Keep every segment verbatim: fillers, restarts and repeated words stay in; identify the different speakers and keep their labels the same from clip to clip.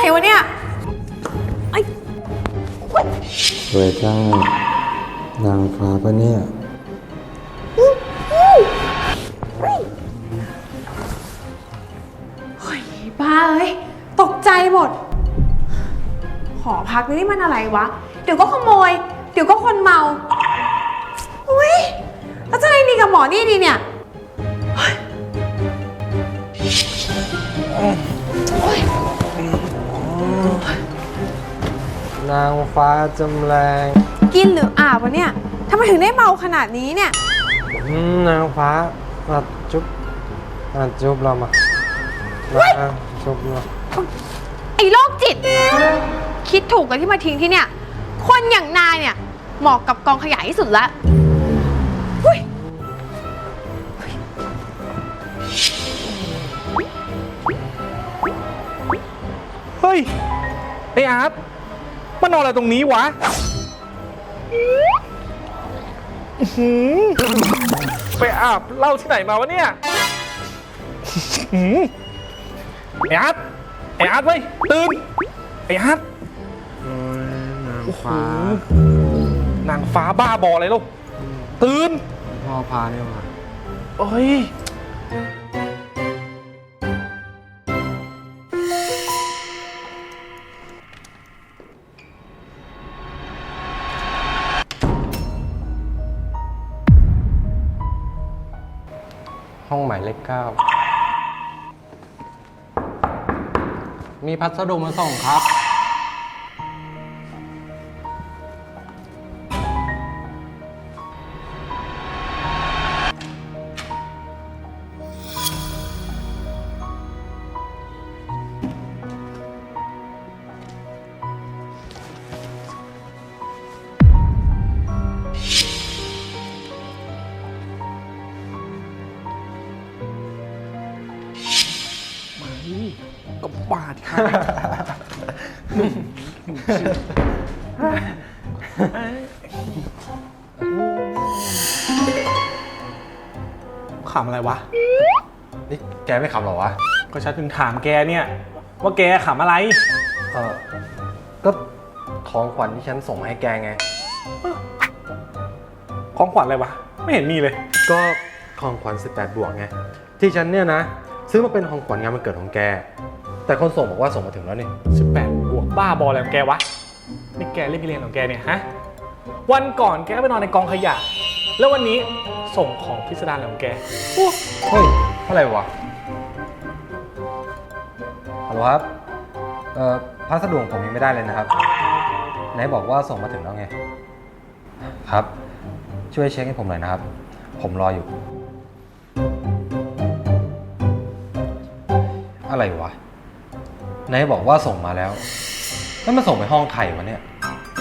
Speaker 1: วะเนี่ยไอ้
Speaker 2: สวยจ้า นางฟ้าปะเนี่ย
Speaker 1: เฮ้ยบ้าเอ้ยตกใจหมดหอพักนี่มันอะไรวะเดี๋ยวก็ขโมยเดี๋ยวก็คนเมาอุ้ยแล้วจะไงดีกับหมอนี่ดีเนี่ย
Speaker 2: นางฟ้าจำแรง
Speaker 1: กินหรืออาบวะเนี่ยทำไมถึงได้เมาขนาดนี้เนี่ย
Speaker 2: นางฟ้ามาจุ๊บมาจุ๊บเรามามาจุ๊บเรา
Speaker 1: ไอ้โรคจิตคิดถูกแล้วที่มาทิ้งที่เนี่ยคนอย่างนายเนี่ยเหมาะกับกองขยะที่สุดละ
Speaker 3: เฮ้ยไอ้อาร์ตมานอนอะไรตรงนี้วะไปอาบเหล้าที่ไหนมาวะเนี่ยไอ้อาร์ตไอ้อาร์ตเว้ยตื่นไอ้อาร์ต
Speaker 2: นางฟ้าน
Speaker 3: างฟ้าบ้าบออะไรลูกตื่น
Speaker 2: พ่อพาเนี่ยมา
Speaker 3: เอ้ย
Speaker 2: ห้องหมายเลขเก้ามีพัสดุมาส่งครับ
Speaker 3: ก็บาดค่ะขำอะไรวะ
Speaker 2: นี่แกไม่ขำหรอวะ
Speaker 3: ก็ฉันถึงถามแกเนี่ยว่าแกขำอะไร
Speaker 2: เออก็ของขวัญที่ฉันส่งมาให้แกไง
Speaker 3: ของขวัญอะไรวะไม่เห็นมีเลย
Speaker 2: ก็ของขวัญสิบแปดบวกไงที่ฉันเนี่ยนะซื้อมาเป็นของขวัญงานวันเกิดของแกแต่คนส่งบอกว่าส่งมาถึงแล้วนี่
Speaker 3: สิบแปดบวกบ้าบออะไรของแกวะนี่แกเล่นกิเลนของแกเนี่ยฮะวันก่อนแกก็ไปนอนในกองขยะแล้ววันนี้ส่งของพิสดารของแก
Speaker 2: เฮ้ยอะไรวะฮัลโหลครับเอ่อพัสดุของผมยังไม่ได้เลยนะครับไหนบอกว่าส่งมาถึงแล้วไงครับช่วยเช็คให้ผมหน่อยนะครับผมรออยู่อะไรวะไหนบอกว่าส่งมาแล้วแล้วมาส่งไปห้องใครวะเนี่ย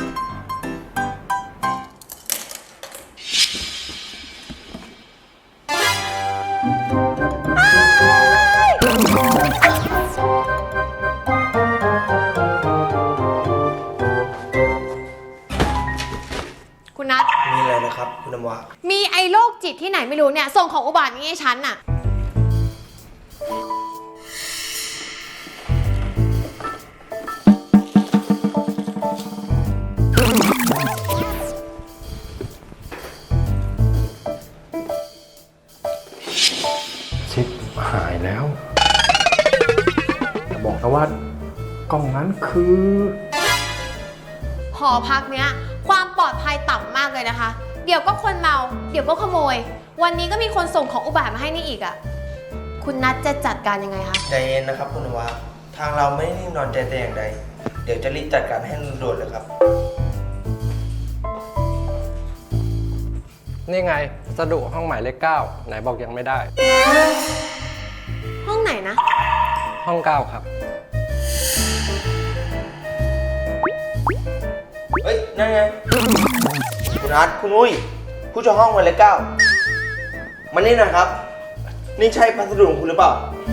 Speaker 1: คุณนัท
Speaker 4: มีอะไรนะครับคุณน้ำว้า
Speaker 1: มีไอ้โรคจิตที่ไหนไม่รู้เนี่ยส่งของอุบาทนี้ให้ฉันน่ะ
Speaker 2: ชิปหายแล้ว
Speaker 3: อย่าบอกนะว่ากล่องนั้นคือ
Speaker 1: หอพักเนี้ยความปลอดภัยต่ำมากเลยนะคะเดี๋ยวก็คนเมาเดี๋ยวก็ขโมยวันนี้ก็มีคนส่งของอุบาทมาให้นี่อีกอ่ะคุณนัทจะจัดการยังไงคะ
Speaker 4: ใจเย็นนะครับคุณน้ำว้าทางเราไม่ได้นิ่งนอนใจแต่อย่างใดเดี๋ยวจะรีบจัดการให้ด่วนเลยครับ
Speaker 2: นี่ไงสดุห้องหมายเลขเก้าไหนบอกยังไม่ได้
Speaker 1: ห้องไหนนะ
Speaker 2: ห้องเก้าครับ
Speaker 4: เฮ้ยนั่นไงคุณนัทคุณอุ้ยผู้เช่าห้องหมายเลขเก้ามานี่นะครับนี่ใช่พัสดุของคุณหรือเปล่า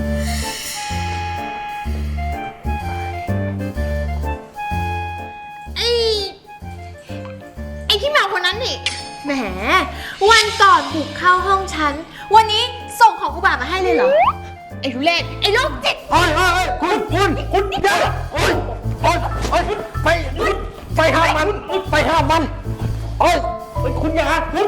Speaker 1: ไอ้ไอ้ที่แมวคนนั้นนี่แหมวันก่อนบุกเข้าห้องฉันวันนี้ส่งของอุบาทมาให้เลยเหรอไอ้ทุเรศไอ้โรคจิต
Speaker 3: เฮ้ยเฮ้ยคุณคุณคุณเดี๋ยวโอ๊ย
Speaker 2: โอ๊ยโอ๊ยไปไปห้ามมันไปห้ามมันโอ๊ย
Speaker 3: เฮ้ยคุณอย่าคุณ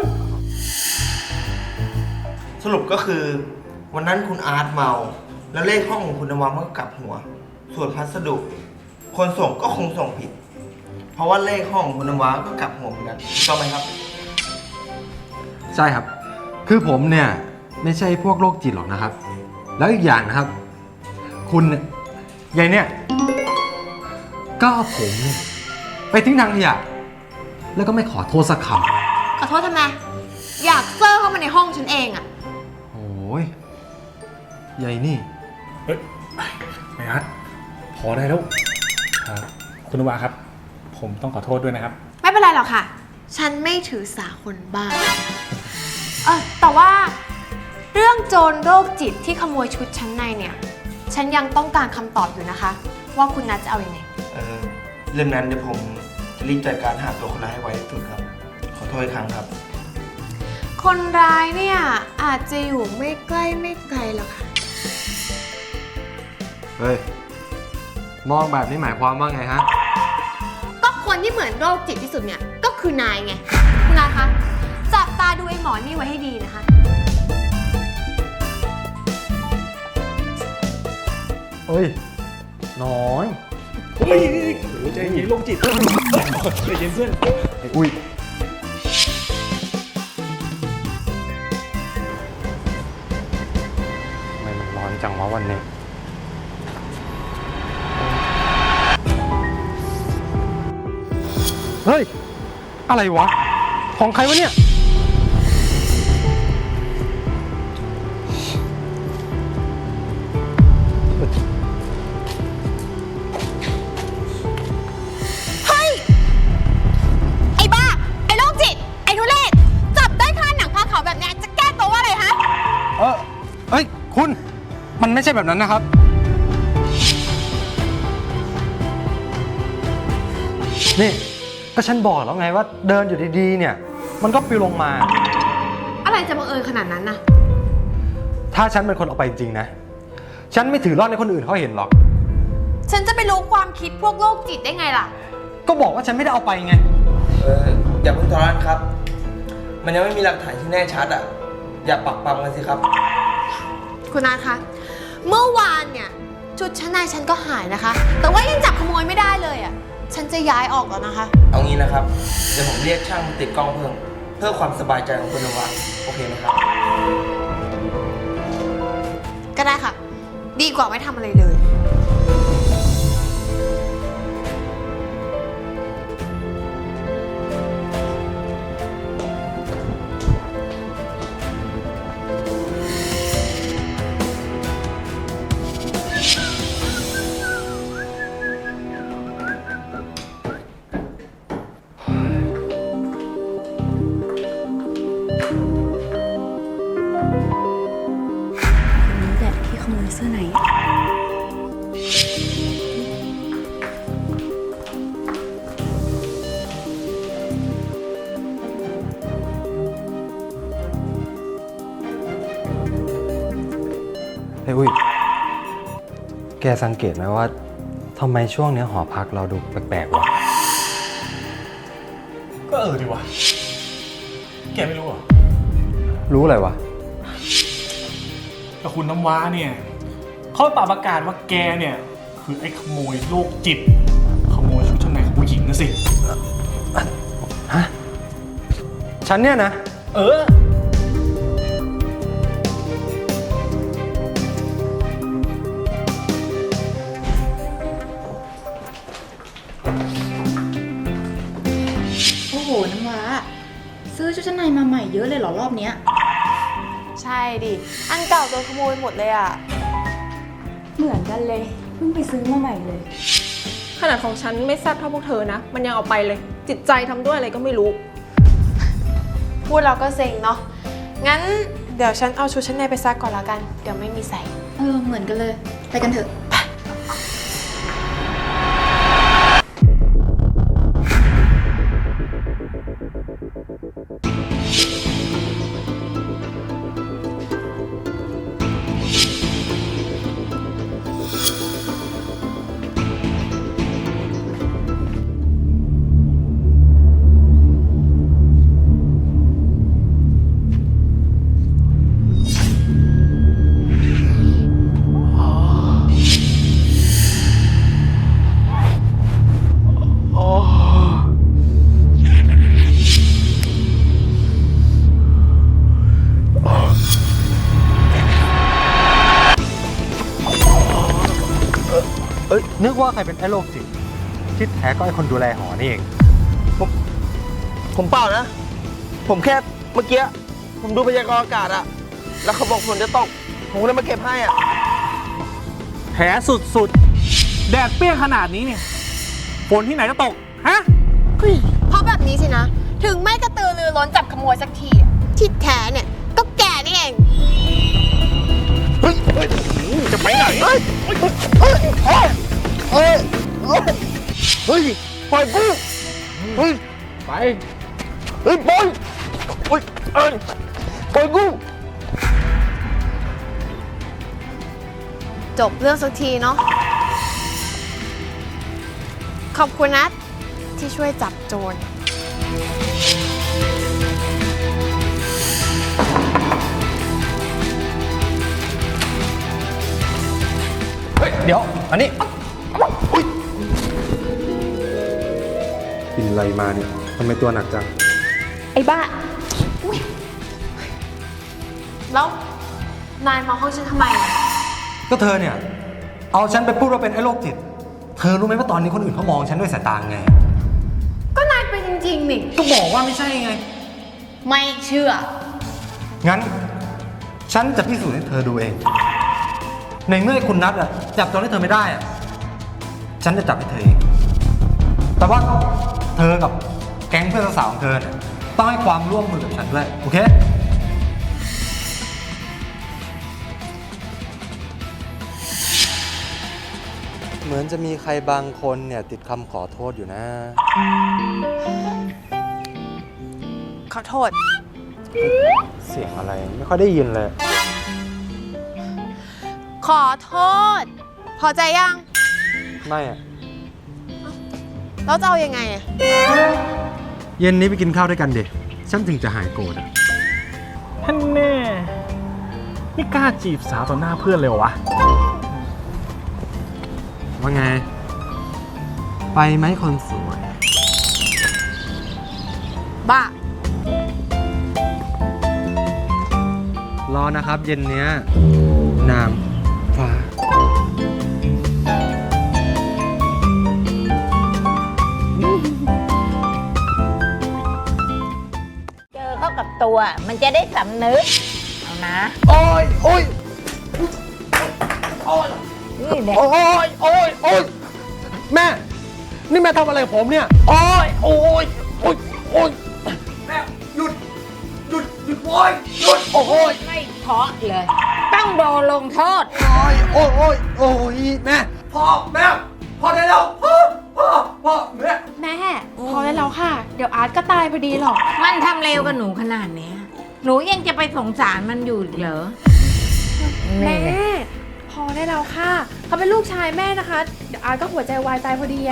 Speaker 4: สรุปก็คือวันนั้นคุณอาร์ตเมา แล้วเลขห้องของคุณนวามันก็กลับหัว ส่วนพัสดุ คนส่งก็คงส่งผิด เพราะว่าเลขห้องของคุณนวาก็กลับหัวเหมือนกันถูกต้องไหมครับ
Speaker 2: ใช่ครับ คือผมเนี่ยไม่ใช่พวกโรคจิตหรอกนะครับ แล้วอีกอย่างนะครับ คุณเนี่ยยายเนี่ยก็เอาผมเนี่ยไปทิ้งทางขยะแล้วก็ไม่ขอโทษสักค
Speaker 1: ขอโทษทำไม อยากเซอร์เข้ามาในห้องฉันเองอะ
Speaker 2: ำโอ้ยยายนี่
Speaker 3: เฮ้ยไม่ฮัทพอได้แล้วครับคุณนวาครับ ผมต้องขอโทษด้วยนะครับ
Speaker 1: ไม่เป็นไรหรอกค่ะ ฉันไม่ถือสาคนบ้าเออแต่ว่าเรื่องโจรโรคจิตที่ขโมยชุดชั้นในเนี่ย ฉันยังต้องการคำตอบอยู่นะคะ ว่าคุณนัทจะเอาอยัางไง
Speaker 4: เออเรื่องนั้นเดี๋ยวผมจะรีบจัดการหาตัวคนร้ายให้ไวที่สุดครับ ขอโทษอีกครั้งครับ
Speaker 1: คนร้ายเนี่ยอาจจะอยู่ไม่ใกล้ไม่ไกลหรอกค่ะ
Speaker 2: เฮ้ย มองแบบนี้หมายความว่าไงฮะ
Speaker 1: ก็คนที่เหมือนโรคจิตที่สุดเนี่ยก็คือนายไง คุณนายคะ จับตาดูไอ้หมอนี่ไว้ให้ดีนะคะ
Speaker 2: เฮ้ย น้อย
Speaker 3: เฮ้ยโอ้ใจเย็นโรคจิตใจเย็นเพื่อน
Speaker 2: อุ้ยทำไมมันร้อนจังวะวันนี้ เฮ้ย อะไรวะ ของใครวะเนี่ย
Speaker 1: เฮ้ย ไอ้บ้า ไอ้โรคจิต ไอ้ทุเรศ จับได้คาหนังคาเขาแบบเนี้ยจะแก้ตัวว่าอะไรฮะ
Speaker 2: เออเฮ้ย คุณ มันไม่ใช่แบบนั้นนะครับ นี่ ก็ฉันบอกแล้วไงว่าเดินอยู่ดีๆ เนี่ย มันก็ปลิวลงมา
Speaker 1: อะไรจะบังเอิญขนาดนั้นนะ
Speaker 2: ถ้าฉันเป็นคนเอาไปจริงๆนะ ฉันไม่ถือรอดในคนอื่นเขาเห็นหรอก
Speaker 1: ฉันจะไปรู้ความคิดพวกโรคจิตได้ไงล่ะ
Speaker 2: ก็บอกว่าฉันไม่ได้เอาไปไง
Speaker 4: เอออย่าเพิ่งทะเลาะกันครับ มันยังไม่มีหลักฐานที่แน่ชัดอ่ะ อย่าปักปั๊มกันสิครับ
Speaker 1: คุณนาคะ เมื่อวานเนี่ยชุดชั้นในฉันก็หายนะคะ แต่ว่ายังจับขโมยไม่ได้เลยอ่ะ ฉันจะย้ายออกแล้วนะคะ
Speaker 4: เอางี้นะครับ เดี๋ยวผมเรียกช่างมาติดกล้องเพิ่ม เพื่อความสบายใจของคุณนวาโอเคไหมครับ
Speaker 1: ก็ได้ค่ะ ดีกว่าไม่ทำอะไรเลย
Speaker 5: นี่แหละที่ขโมยเสื้อไหน
Speaker 2: เฮ้ยอุ้ย แกสังเกตไหมว่าทำไมช่วงเนี้ยหอพักเราดูแปลกๆวะ
Speaker 3: ก็เออดีวะแกไม่รู้เหรอ
Speaker 2: รู้อะไรวะ
Speaker 3: แต่คุณน้ำว้าเนี่ยเขาป่าประกาศว่าแกเนี่ย คือไอ้ขโมยโรคจิต ขโมยชุดชั้นในของผู้หญิงนะสิ
Speaker 2: ฮะ ฉันเนี่ยนะ
Speaker 3: เออ
Speaker 5: โอ้โห น้ำว้า ซื้อชุดชั้นในมาใหม่เยอะเลยเหรอรอบเนี้ย
Speaker 1: ใช่ดิ อันเก่าโดนขโมยหมดเลยอ่ะ
Speaker 5: เหมือนกันเลย เพิ่งไปซื้อมาใหม่เลย
Speaker 6: ขนาดของฉันไม่แซ่บเท่าพวกเธอนะ มันยังเอาไปเลย จิตใจทำด้วยอะไรก็ไม่รู้
Speaker 1: พูดเราก็เซ็งเนาะ งั้นเดี๋ยวฉันเอาชุดชั้นในไปซักก่อนแล้วกัน เดี๋ยวไม่มีใส่
Speaker 5: เออ เหมือนกันเลย ไปกันเถอะ
Speaker 1: น
Speaker 2: นึกว่าใครเป็นไอ้โรคจิตที่แท้ก็ไอ้คนดูแลหอนี่เอง
Speaker 4: ผมผมเปล่านะ ผมแค่เมื่อกี้ผมดูพยากรณ์อากาศอะแล้วเขาบอกฝนจะตก ผมก็เลยมาเก็บให้อะ
Speaker 3: แผลสุดๆ แดดเปรี้ยงขนาดนี้เนี่ยฝนที่ไหนจะตก ฮะ
Speaker 1: เพราะแบบนี้สินะ ถึงไม่กระตือรือร้นจับขโมยสักทีอะที่แท้เนี่ยก็แกนี่เอง
Speaker 4: เฮ้ยเฮ้ย
Speaker 3: จะไปไหน
Speaker 4: เฮ้ยเฮ้ยเฮ้ยเฮ้ยเฮ้ยปล่อยกูเฮ้ย
Speaker 3: ไป
Speaker 4: เฮ้ยปล่อยเฮ้ยเอ้ยปล่อยกู
Speaker 1: จบเรื่องสักทีเนาะ ขอบคุณนะที่ช่วยจับโจร
Speaker 2: เฮ้ย เดี๋ยว อันนี้กินอะไรมาเนี่ยทำไมตัวหนักจัง
Speaker 5: ไอ้บ้า
Speaker 1: แล้วนายมาห้องฉันทำไมอะ
Speaker 2: ก็เธอเนี่ย เอาฉันไปพูดว่าเป็นไอ้โรคจิต เธอรู้ไหมว่าตอนนี้คนอื่นเขามองฉันด้วยสายตาไง
Speaker 1: ก็นายเป็นจริงๆนี่
Speaker 2: ก็บอกว่าไม่ใช่ไง
Speaker 1: ไม่เชื่อ
Speaker 2: งั้น ฉันจะพิสูจน์ให้เธอดูเอง ในเมื่อไอ้คุณนัทอะจับโจรให้เธอไม่ได้อะฉันจะจับให้เธอเอง แต่ว่าเธอกับแก๊งเพื่อนสาวของเธอเนี่ยต้องให้ความร่วมมือกับฉันด้วย โอเค เหมือนจะมีใครบางคนเนี่ยติดคำขอโทษอยู่นะ
Speaker 1: ขอโทษ
Speaker 2: เสียงอะไรไม่ค่อยได้ยินเลย
Speaker 1: ขอโทษ พอใจยัง
Speaker 2: ไม่อะ
Speaker 1: แล้วจะเอายังไงอะ
Speaker 2: เย็นนี้ไปกินข้าวด้วยกันเด็ฉันถึงจะหายโกรธอะ
Speaker 3: ท่านแน่นี่กล้าจีบสาวต่อหน้าเพื่อนเลยเหรอวะ
Speaker 2: ว่าไง ไปไหมคนสวย
Speaker 1: บ้า
Speaker 2: รอนะครับ เย็นเนี้ยนามฟ้า
Speaker 7: เจอเข้ากับตัวมันจะได้สำนึก เอานะ
Speaker 4: โอ้ยโอ้ย
Speaker 7: นี่เนี่ย
Speaker 4: โอ้ยโอ้ยโอ้ย
Speaker 2: แม่ นี่แม่ทำอะไรกับผมเนี่ย
Speaker 4: โอ้ยโอ้ยโอ้ยโอ้ยแม่หยุดหยุดหยุดโอ้ยหยุดโอ้ย
Speaker 7: ไม่เพาะเลย ต้องโดนลงโทษ
Speaker 4: โอ้ยโอ้ยโอ้ยโอ้ยแม่พ่อแม่พ่อได้แล้วพ่อพ่อพ่อแม่
Speaker 5: แม่ พอได้แล้วค่ะ เดี๋ยวอาร์ตก็ตายพอดีหรอก
Speaker 7: มันทำเลวกับหนูขนาดเนี้ยหนูยังจะไปสงสารมันอยู่อีกเหรอ
Speaker 5: แม่
Speaker 7: นี่
Speaker 5: พอได้แล้วค่ะ เขาเป็นลูกชายแม่นะคะ เดี๋ยวอาร์ตก็หัวใจวายตายพอดีอะ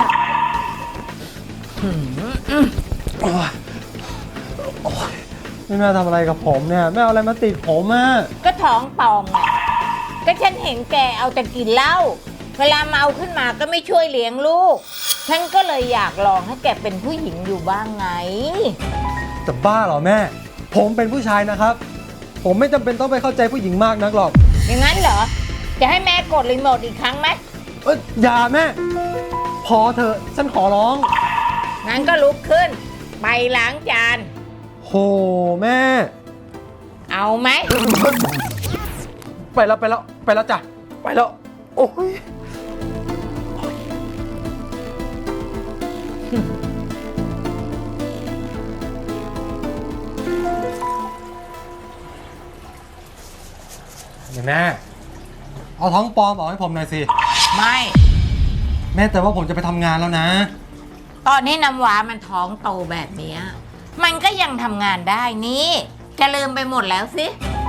Speaker 2: นี่แม่ทำอะไรกับผมเนี่ย แม่เอาอะไรมาติดผมอะ
Speaker 7: ก็ท้องป่องอ่ะก็ฉันเห็นแกเอาแต่กินเหล้าเวลาเมาขึ้นมาก็ไม่ช่วยเลี้ยงลูก ฉันก็เลยอยากลองให้แกเป็นผู้หญิงอยู่บ้างไง
Speaker 2: จะบ้าเหรอแม่ ผมเป็นผู้ชายนะครับ ผมไม่จำเป็นต้องไปเข้าใจผู้หญิงมากนักหรอก
Speaker 7: อย่างนั้นเหรอ จะให้แม่กดรีโมทอีกครั้งไหม
Speaker 2: เอ้ยอย่าแม่ พอเถอะฉันขอร้อง
Speaker 7: งั้นก็ลุกขึ้น ไปล้างจาน
Speaker 2: โหแม่
Speaker 7: เอาไหม
Speaker 2: ไปแล้วไปแล้วไปแล้วจ้ะ ไปแล้ว โอ้ย แม่ เอาท้องปลอมออกให้ผมหน่อยสิ
Speaker 7: ไม่
Speaker 2: แม่แต่ว่าผมจะไปทำงานแล้วนะ
Speaker 7: ตอนนี้น้ำว้ามันท้องโตแบบเนี้ยมันก็ยังทำงานได้นี่ จะลืมไปหมดแล้วสิ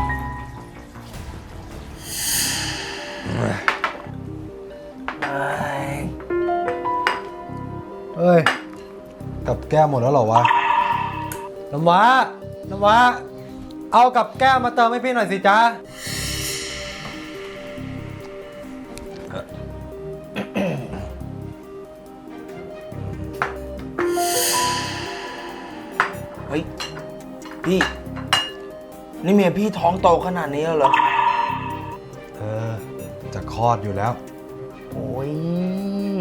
Speaker 2: เอ้ย กับแก้วหมดแล้วเหรอวะ น้ำว้า น้ำว้า เอากับแก้วมาเติมให้พี่หน่อยสิจ๊ะ
Speaker 4: เฮ้ยพี่ นี่เมียพี่ท้องโตขนาดนี้แล้วเหรอ
Speaker 2: เออ จะคลอดอยู่แล้ว
Speaker 4: โอ้ย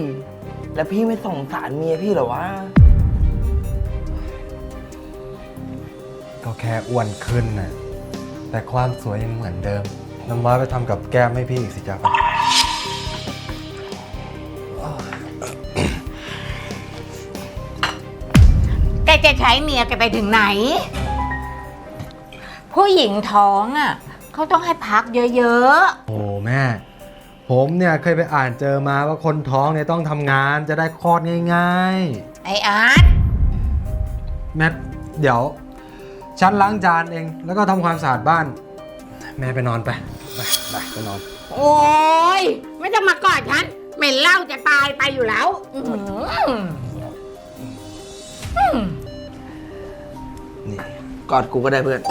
Speaker 4: แล้วพี่ไม่สงสารเมียพี่เหรอวะ
Speaker 2: ก็แค่อ้วนขึ้นน่ะ แต่ความสวยยังเหมือนเดิม น้ำว้าไปทำกับแก้มให้พี่อีกสิจ๊ะไป
Speaker 7: แกจะใช้เมียแกไปถึงไหน ผู้หญิงท้องอ่ะเขาต้องให้พักเยอะ
Speaker 2: โอ้แม่ ผมเนี่ยเคยไปอ่านเจอมาว่าคนท้องเนี่ยต้องทำงานจะได้คลอดง่าย
Speaker 7: ๆ ไอ้อาร์ต
Speaker 2: ๆ แม่เดี๋ยว ฉันล้างจานเองแล้วก็ทำความสะอาดบ้าน แม่ไปนอนไป ไปไปไปนอน
Speaker 7: โอ้ยไม่ต้องมากอดฉันเหม็นเหล้าจะตายไปอยู่แล้วอื้อหืออืม
Speaker 4: นี่กอดกูก็ได้เพื่อน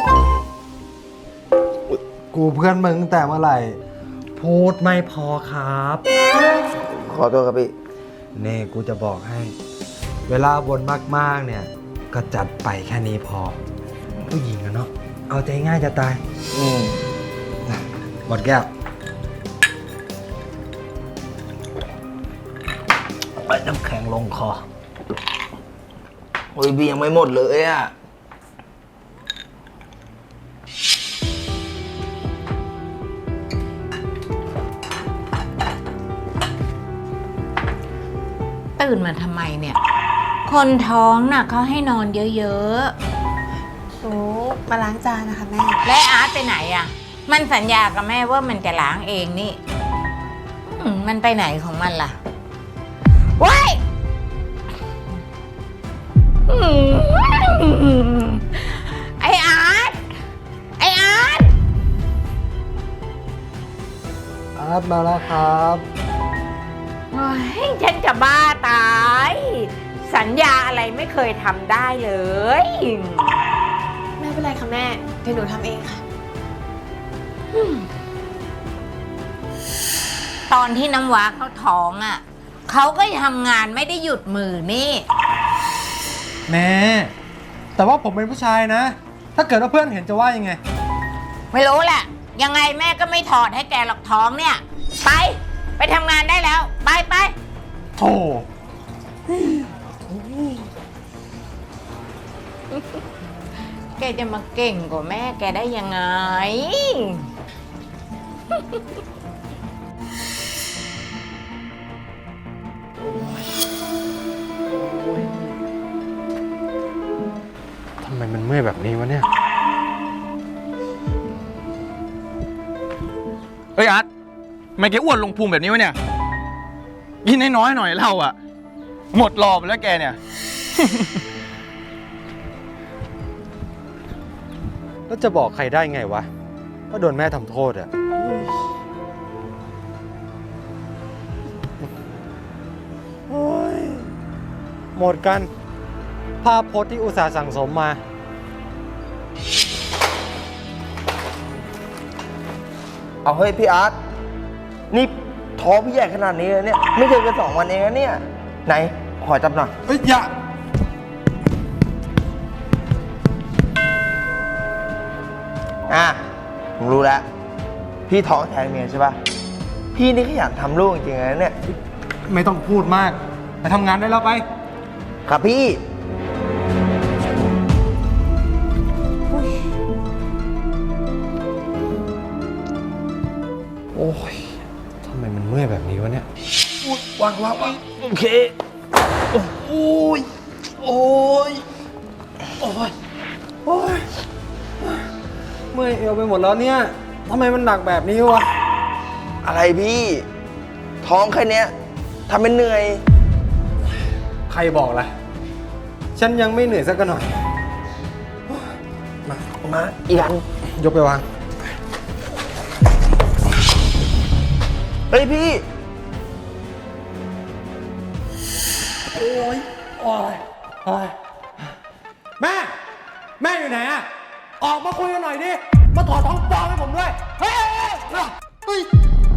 Speaker 2: กูเพื่อนมึงตั้งแต่เมื่อไหร่ พูดไม่พอครับ
Speaker 4: ขอโทษครับพี่
Speaker 2: นี่กูจะบอกให้ เวลาบ่นมากๆเนี่ย ก็จัดไปแค่นี้พอ ผู้หญิงอะเนาะเอาใจง่ายจะตาย
Speaker 4: อืม
Speaker 2: หมดแก้ว
Speaker 4: ไปน้ำแข็งลงคอ โอ้ยเบียยังไม่หมดเลยอ่ะ
Speaker 7: ตื่นมาทำไมเนี่ย คนท้องน่ะเขาให้นอนเยอะ
Speaker 1: หนูมาล้างจานนะคะแม่
Speaker 7: ๆ และอาร์ตไปไหนอ่ะ มันสัญญากับแม่ว่ามันจะล้างเองนี่อืมมันไปไหนของมันล่ะว้ายอืมไออาร์ตไออาร์ต
Speaker 2: อาร์ตมาแล้วครับ
Speaker 7: โอ้ยฉันจะบ้าตาย สัญญาอะไรไม่เคยทำได้เลย
Speaker 1: ไม่เป็นไรค่ะแม่ เดี๋ยวหนูทำเองค่ะ
Speaker 7: ตอนที่น้ำว้าเขาท้องอ่ะ เขาก็ทำงานไม่ได้หยุดมือนี่
Speaker 2: แม่ แต่ว่าผมเป็นผู้ชายนะ ถ้าเกิดว่าเพื่อนเห็นจะว่ายังไง
Speaker 7: ไม่รู้แหละ ยังไงแม่ก็ไม่ถอดให้แกหรอกท้องเนี่ย ไป ไปทำงานได้แล้ว ไปไป
Speaker 2: โธ่
Speaker 7: แกจะมาเก่งกว่าแม่แกได้ยังไง
Speaker 2: ทำไมมันเมื่อยแบบนี้วะเนี่ย
Speaker 8: เฮ้ยอาร์ตทำไมแกอ้วนลงพุงแบบนี้วะเนี่ยกินน้อยๆหน่อยเหล้าอ่ะ หมดรอบแล้วแกเนี่ย
Speaker 2: แล้วจะบอกใครได้ไงวะว่าโดนแม่ทำโทษอะโอ้ยหมดกัน ภาพพจน์ที่อุตส่าห์สั่งสมมา
Speaker 4: เอาเฮ้ยพี่อาร์ต นี่ท้องพี่ใหญ่ขนาดนี้เลยเนี่ย ไม่เจอกันสองวันเองนะเนี่ย ไหน ขอจับหน่อย
Speaker 2: เฮ้ย อย่า
Speaker 4: อ่ะ ผมรู้แล้ว พี่ท้องแทนเมียใช่ปะพี่นี่ขยันทำลูกจริงๆนะเนี่ย
Speaker 2: ไม่ต้องพูดมาก ไปทำงานได้แล้วไป
Speaker 4: ครับพี่
Speaker 2: โอ้ยทำไมมันเมื่อยแบบนี้วะเนี่ย
Speaker 4: วางวางวางโอเค โอ้ย โอ้ย โอ้ย
Speaker 2: โอ้ย เมื่อยเอวไปหมดแล้วเนี่ยทำไมมันหนักแบบนี้วะ
Speaker 4: อะไรพี่ ท้องแค่เนี้ยทำเป็นเหนื่อย
Speaker 2: ใครบอกล่ะ ฉันยังไม่เหนื่อยสักหน่อย
Speaker 4: มา มาอีกอัน
Speaker 2: ยกไปวาง
Speaker 4: เฮ้ยพี่
Speaker 2: โอ้ย โอ้ย โอ้ย แม่ แม่อยู่ไหนอะออกมาคุยกันหน่อยดิ มาถอดท้องปลอมให้ผมด้วย เฮ้ยเฮ้ยเฮ้ย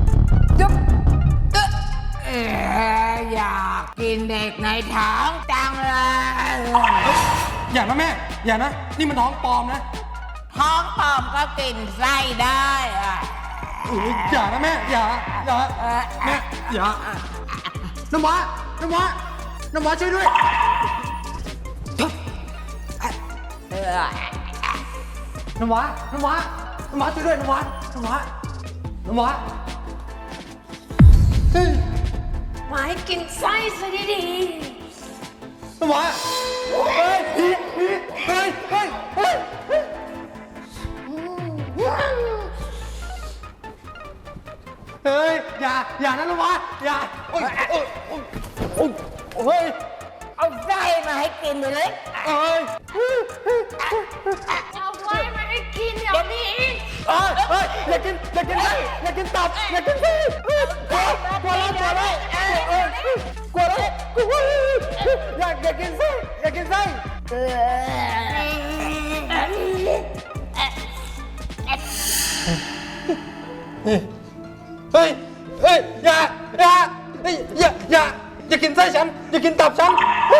Speaker 7: เอ่ออยากกินเด็กในท้องจังเลย
Speaker 2: อย่านะแม่ อย่านะ นี่มันท้องปลอมนะ
Speaker 7: ท้องปลอมก็กินไส้ได้อะ
Speaker 2: อุ๊ยอย่านะแม่ อย่า อย่า
Speaker 7: เอ่อ
Speaker 2: แม่ อย่า น้ำว้าน้ำว้าน้ำว้าช่วยด้วยน้ำว้าน้ำว้าน้ำว้าช่วยด้วยน้ำว้าน้ำว้าน้ำว้าเฮ้ย
Speaker 1: มาให้กินไส้ซะดี
Speaker 2: น้ำว้าเฮ้ยเฮ้ยเฮ้ยเฮ้ยเฮ้ยเฮ้ยอย่าอย่านะน้ำว้าอย่าโอ้ยโอ้ยโอ้ยโอ้ยเฮ้ย
Speaker 7: เอาไส้มาให้กินเลย
Speaker 2: เอ้ย
Speaker 1: ๆเอาไว้มาให้กินเดี๋ยวนี้
Speaker 2: เอ้ยเอ้ยอย่ากินอย่ากินไส้อย่ากินตับอย่ากินไส้กลัวกลัวแล้วกลัวแล้วเอ้ยกลัวแล้วกลัวอยากอยากกินไส้อยากกินไส้เฮ้ยเฮ้ยอย่าอย่าเฮ้ยอย่าอย่าอย่ากินไส้ฉันอย่ากินตับฉัน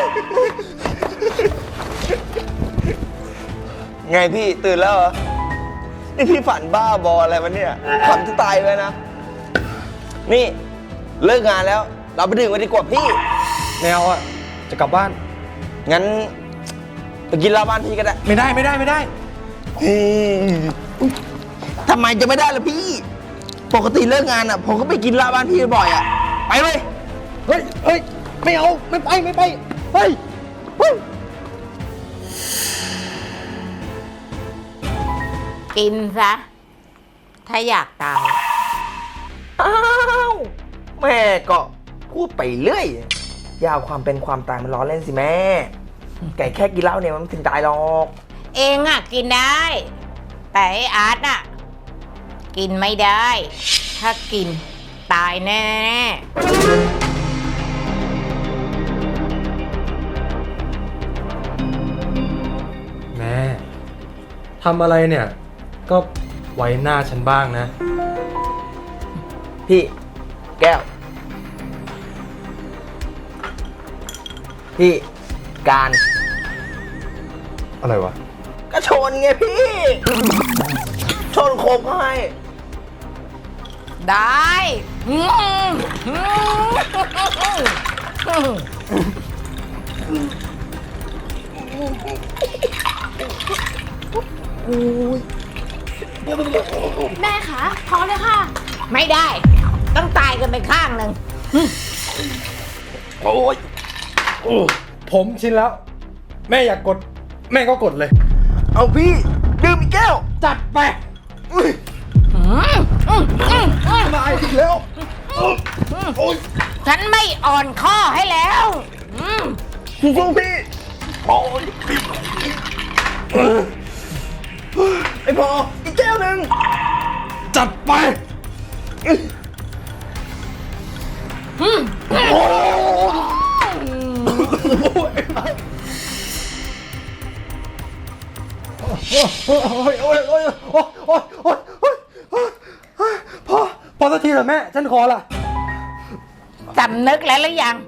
Speaker 4: ไงพี่ตื่นแล้วเหรอ นี่พี่ฝันบ้าบออะไรวะเนี่ยฝันจะตายเลยนะ นี่เลิกงานแล้ว เราไปดื่มกันดีกว่าพี่
Speaker 2: แมวอ่ะจะกลับบ้าน
Speaker 4: งั้นไปกินเหล้าบ้านพี่ก็ได้
Speaker 2: ไม่ได้ไม่ได้ไม่ได้
Speaker 4: เฮ้ยทำไมจะไม่ได้ล่ะพี่ ปกติเลิกงานอ่ะ ผมก็ไปกินเหล้าบ้านพี่บ่อยอ่ะ ไปเลย
Speaker 2: เฮ้ยเฮ้ยไม่เอาไม่ไปไม่ไปเฮ้ยเฮ้ย
Speaker 7: กินซะ ถ้าอยากตาย
Speaker 4: อ้าวแม่ก็พูดไปเรื่อยอยาวความเป็นความตายมันล้อเล่นสิแม่ ไก่แค่กินเหล้าเนี่ยมันไม่ถึงตายหรอก
Speaker 7: เองอ่ะกินได้ แต่ไอ้อาร์ตอ่ะ กินไม่ได้ ถ้ากินตายแน่ๆ
Speaker 2: แม่ทำอะไรเนี่ย ก็ไว้หน้าฉันบ้างนะ
Speaker 4: พี่แก้ว พี่การ
Speaker 2: อะไรวะ
Speaker 4: ก็ชนไงพี่ ชนโคบให้
Speaker 7: ได้อืมอืม
Speaker 1: แม่คะพอเลยค่ะ
Speaker 7: ไม่ได้ ต้องตายกันไปข้างหนึ่ง
Speaker 2: โอ้ยผมชินแล้ว แม่อยากกด แม่ก็กดเลย
Speaker 4: เอาพี่ดื่มอีกแก้ว
Speaker 2: จัดไป
Speaker 4: อุ๊ย
Speaker 7: อืมอืมอืมอืม
Speaker 2: มาอีกแล้ว
Speaker 7: ฉันไม่อ่อนข้อให้แล้วอืม
Speaker 4: สู้ๆพี่โอ้ยไอ้พออีกแก้วหนึ่ง
Speaker 2: จัดไป โอ้ยโอ้ยโอ้ยโอ้ยโอ้ยโอ้ยโอ้ยโอ้ยพอพอสักทีเถอะแม่ ฉันขอละ
Speaker 7: สำนึกแล้วหรือยัง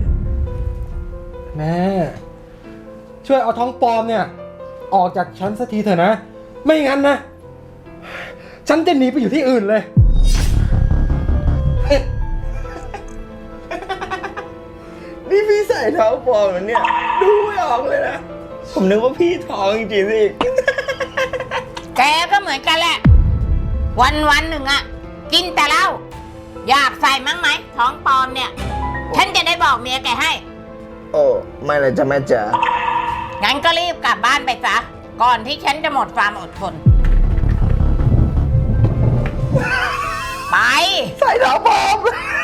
Speaker 2: แม่ ช่วยเอาท้องปลอมเนี่ย ออกจากฉันสักทีเถอะนะ ไม่งั้นนะ ฉันจะหนีไปอยู่ที่อื่นเลย
Speaker 4: นี่พี่ใส่เท้าปลอมเหรอเนี่ย ดูไม่ออกเลยนะ ผมนึกว่าพี่ท้องจริงๆสิ
Speaker 7: แกก็เหมือนกันแหละ วันวันๆหนึ่งอะกินแต่เหล้าอยากใส่มั้งไหมท้องปลอมเนี่ย ฉันจะได้บอกเมียแกให้
Speaker 4: โอ้ไม่เลยจ้ะแม่จ๋า
Speaker 7: งั้นก็รีบกลับบ้านไปซะ ก่อนที่ฉันจะหมดความอดทน ไป
Speaker 4: ใส่เท้าปลอม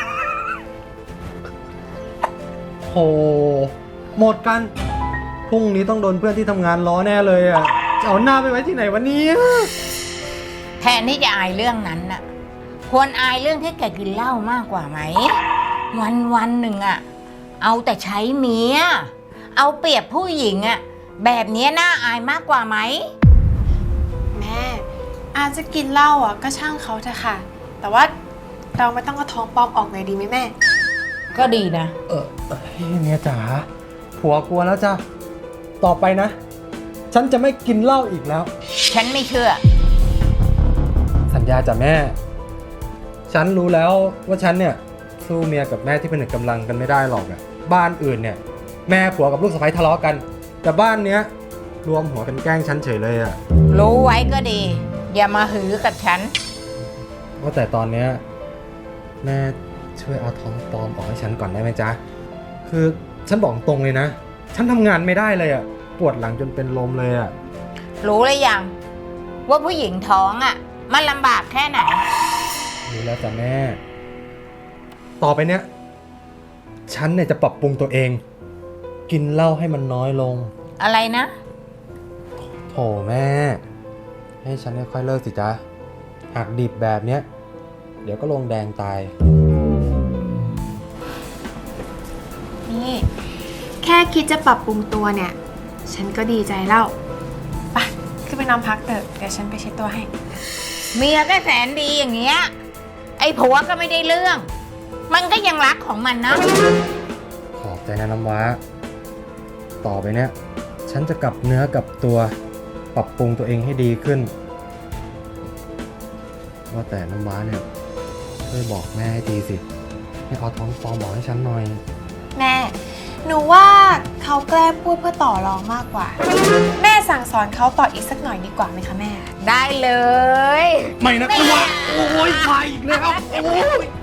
Speaker 2: โห หมดกัน พรุ่งนี้ต้องโดนเพื่อนที่ทำงานล้อแน่เลยอ่ะ จะเอาหน้าไปไว้ที่ไหนวันนี้
Speaker 7: แทนที่จะอายเรื่องนั้นน่ะ ควรอายเรื่องที่แกกินเหล้ามากกว่าไหม วันวันๆหนึ่งอะเอาแต่ใช้เมีย เอาเปรียบผู้หญิงอะแบบนี้น่าอายมากกว่าไหม
Speaker 5: แม่อาจจะกินเหล้าอ่ะก็ช่างเขาเถอะค่ะ แต่ว่าเราไม่ต้องเอาท้องปลอมออกเลยดีไหมแม่
Speaker 7: ก็ดีนะ
Speaker 2: เออเฮ้ยเมียจ๋า ผัวกลัวแล้วจ้ะ ต่อไปนะ ฉันจะไม่กินเหล้าอีกแล้ว
Speaker 7: ฉันไม่เชื่อ
Speaker 2: สัญญาจ้ะแม่ ฉันรู้แล้วว่าฉันเนี่ย สู้เมียกับแม่ที่เป็นหนึ่งกำลังกันไม่ได้หรอกอะบ้านอื่นเนี่ย แม่ผัวกับลูกสะใภ้ทะเลาะกัน แต่บ้านเนี้ยรวมหัวกันแกล้งฉันเฉยเลยอะ
Speaker 7: รู้ไว้ก็ดี อย่ามาหือกับฉัน
Speaker 2: ว่าแต่ตอนเนี้ยแม่ช่วยเอาท้องปลอมออกให้ฉันก่อนได้ไหมจ๊ะ คือฉันบอกตรงเลยนะ ฉันทำงานไม่ได้เลยอะปวดหลังจนเป็นลมเลยอะ
Speaker 7: รู้หรือยังว่าผู้หญิงท้องอ่ะ มันลำบากแค่ไหน
Speaker 2: รู้แล้วจ้ะแม่ ต่อไปเนี้ยฉันเนี่ยจะปรับปรุงตัวเอง กินเหล้าให้มันน้อยลง
Speaker 7: อะไรนะ
Speaker 2: โถแม่ ให้ฉันค่อยๆเลิกสิจ๊ะหักดิบแบบเนี้ย เดี๋ยวก็ลงแดงตาย
Speaker 5: นี่ แค่คิดจะปรับปรุงตัวเนี่ย ฉันก็ดีใจแล้วไปขึ้นไปนอนพักเถอะเดี๋ยวฉันไปเช็ดตัวให้
Speaker 7: เมียก็แสนดีอย่างเงี้ย ไอ้ผัวก็ไม่ได้เรื่อง มันก็ยังรักของมันนะ
Speaker 2: ขอบใจนะน้ำว้า ต่อไปเนี้ยฉันจะกลับเนื้อกลับตัว ปรับปรุงตัวเองให้ดีขึ้น ว่าแต่น้ำว้าเนี่ยช่วยบอกแม่ให้ทีสิ ให้เอาท้องฟองบอกให้ฉันหน่อย
Speaker 5: แม่ หนูว่าเขาแกล้งพูดเพื่อต่อรองมากกว่า แม่สั่งสอนเขาต่ออีกสักหน่อยดีกว่าไหมคะแม่
Speaker 7: ได้เลย
Speaker 8: ไม่นะกลัวโอ้ยมาอีกแล้ว โอ้ย